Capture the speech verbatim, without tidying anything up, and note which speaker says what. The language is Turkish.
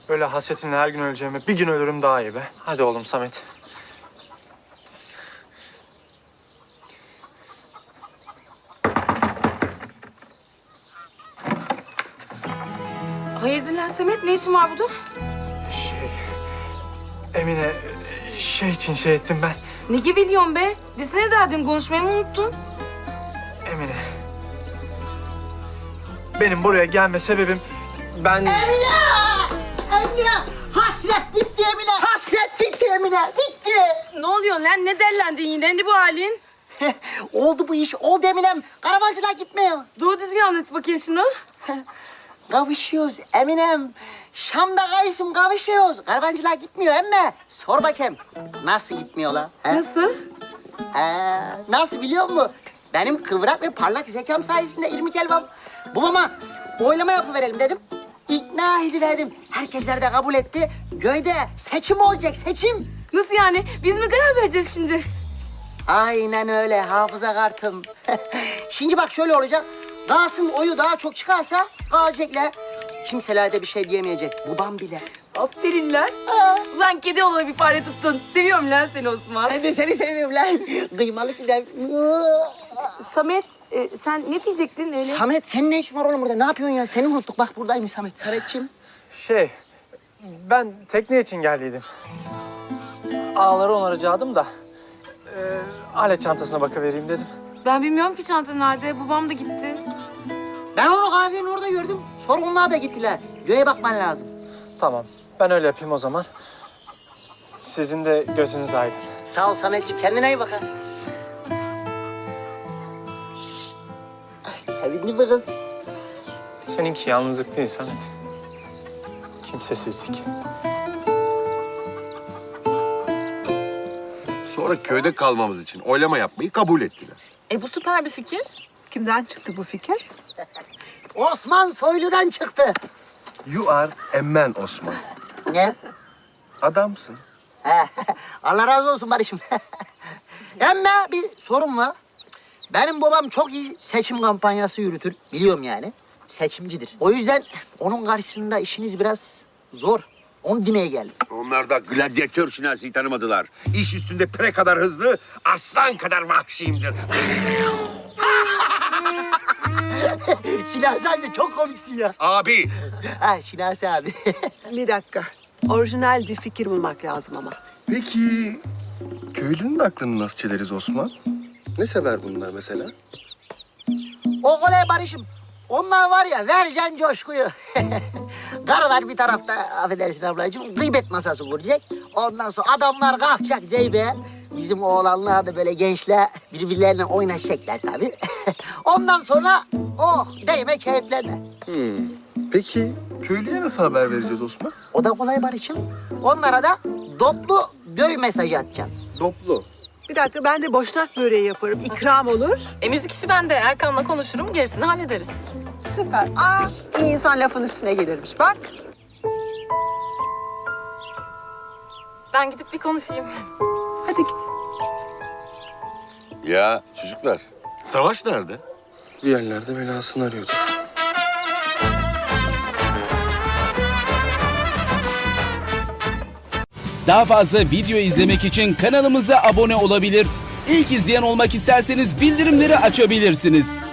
Speaker 1: Böyle hasretinle her gün öleceğime bir gün ölürüm daha iyi be. Hadi oğlum Samet.
Speaker 2: Hayırdır lan Samet? Ne işin var burada?
Speaker 1: Şey... Emine, şey için şey ettim ben.
Speaker 2: Ne gibi biliyorsun be? Desene derdin, konuşmayı mı unuttun?
Speaker 1: Emine. Benim buraya gelme sebebim... Ben...
Speaker 3: Emine! Emine! Hasret bitti Emine! Hasret bitti Emine! Bitti!
Speaker 2: Ne oluyor lan? Ne derlendin yine? Ne bu halin?
Speaker 3: Oldu bu iş, oldu Eminem. Karavancılar gitmiyor.
Speaker 2: Doğru düzgün anlat bakayım şunu.
Speaker 3: Kavuşuyoruz Eminem. Şam'da kayısım kavuşuyoruz. Karavancılar gitmiyor emme. Sor bakayım. Nasıl gitmiyorlar? He?
Speaker 2: Nasıl?
Speaker 3: He, nasıl biliyor musun? Benim kıvrak ve parlak zekam sayesinde ilmi kelbam. Babama oylama yapıverelim dedim. İkna ediverdim. Herkesler de kabul etti. Köyde seçim olacak, seçim.
Speaker 2: Nasıl yani? Biz mi karar vereceğiz şimdi?
Speaker 3: Aynen öyle hafıza kartım. Şimdi bak şöyle olacak. Gaz'ın oyu daha çok çıkarsa kalacaklar. Kimseler de bir şey diyemeyecek. Babam bile.
Speaker 2: Aferin lan. Ulan kedi oğluna bir fare tuttun. Seviyorum lan seni Osman.
Speaker 3: Ben de seni seviyorum lan. Kıymalı gider.
Speaker 2: Samet, e, sen ne diyecektin öyle?
Speaker 3: Samet senin ne işin var oğlum burada? Ne yapıyorsun ya? Seni unuttuk. Bak buradaymış Samet. Sametciğim.
Speaker 1: Şey... Ben tekne için geldiydim. Ağları onaracaktım da... E, alet çantasına bakıvereyim dedim.
Speaker 2: Ben bilmiyorum ki çanta nerede. Babam da gitti.
Speaker 3: Ben onu kahvenin orada gördüm. Sonra onlar da gittiler. Göğe bakman lazım.
Speaker 1: Tamam, ben öyle yapayım o zaman. Sizin de gözünüz aydın.
Speaker 3: Sağ ol Sametciğim. Kendine iyi bak ha. Şşş. Sevindin mi kız?
Speaker 1: Seninki yalnızlık değil Samet. Kimsesizlik.
Speaker 4: Sonra köyde kalmamız için oylama yapmayı kabul ettiler.
Speaker 2: E bu süper bir fikir.
Speaker 5: Kimden çıktı bu fikir?
Speaker 3: Osman Soylu'dan çıktı.
Speaker 4: You are a man Osman.
Speaker 3: Ne?
Speaker 4: Adamsın.
Speaker 3: He, Allah razı olsun Barış'ım. Ama bir sorun var. Benim babam çok iyi seçim kampanyası yürütür. Biliyorum yani. Seçimcidir. O yüzden onun karşısında işiniz biraz zor. Onu demeye geldim.
Speaker 6: Onlar da gladyatör şinasiyi tanımadılar. İş üstünde pire kadar hızlı, aslan kadar vahşiyimdir.
Speaker 3: Şinasi abi çok komiksin ya.
Speaker 6: Abi,
Speaker 3: Ha Şinasi abi.
Speaker 5: Bir dakika. Orijinal bir fikir bulmak lazım ama.
Speaker 4: Peki köylünün aklını nasıl çeleriz Osman? Ne sever bunlar mesela?
Speaker 3: O kolay Barış'ım. Onlar var ya vereceksin coşkuyu. Karılar bir tarafta affedersin ablacığım gıybet masası kuracak. Ondan sonra adamlar kalkacak Zeybe. Bizim oğlanlar da böyle gençler birbirlerine oynaşacaklar tabii. Ondan sonra oh değme keyiflerine.
Speaker 4: Hmm. Peki köylüye nasıl haber vereceğiz Osman?
Speaker 3: O da kolay Barış'ım. Onlara da doplu göy mesajı atacaksın.
Speaker 4: Doplu.
Speaker 5: Bir dakika ben de boşnak böreği yaparım. İkram olur.
Speaker 2: E müzik işi bende. Erkan'la konuşurum. Gerisini hallederiz.
Speaker 5: Süper. Aa, iyi insan lafın üstüne gelirmiş. Bak.
Speaker 2: Ben gidip bir konuşayım.
Speaker 5: Hadi git.
Speaker 6: ya çocuklar, Savaş nerede?
Speaker 4: Bir yerlerde belasını arıyordu.
Speaker 7: Daha fazla video izlemek için kanalımıza abone olabilir. İlk izleyen olmak isterseniz bildirimleri açabilirsiniz.